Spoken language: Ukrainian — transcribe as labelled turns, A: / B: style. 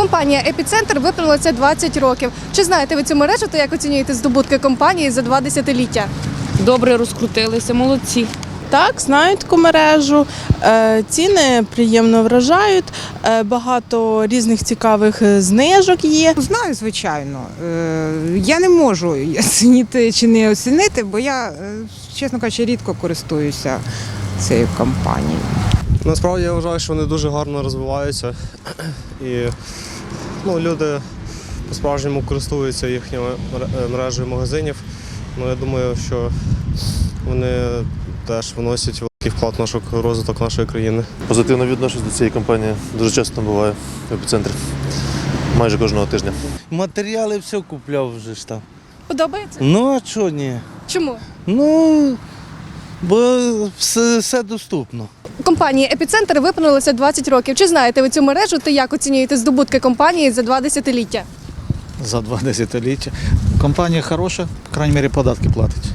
A: Компанія «Епіцентр» виправилася 20 років. Чи знаєте ви цю мережу та як оцінюєте здобутки компанії за 2 десятиліття?
B: Добре розкрутилися, молодці.
C: Так, знають таку мережу, ціни приємно вражають, багато різних цікавих знижок є.
D: Знаю, звичайно. Я не можу оцінити чи не оцінити, бо я, чесно кажучи, рідко користуюся цією компанією.
E: Насправді я вважаю, що вони дуже гарно розвиваються і люди по-справжньому користуються їхньою мережею магазинів. Я думаю, що вони теж вносять великий вклад в розвиток нашої країни.
F: Позитивно відношусь до цієї компанії. Дуже часто буваю в епіцентрі. Майже кожного тижня.
G: Матеріали все купляв вже ж там.
A: Подобається?
G: Ну а чого ні?
A: Чому?
G: Ну, бо все доступно.
A: Компанія «Епіцентр» виправилася 20 років. Чи знаєте ви цю мережу та як оцінюєте здобутки компанії за 2 десятиліття?
H: За 2 десятиліття. Компанія хороша, по крайній мірі податки платить.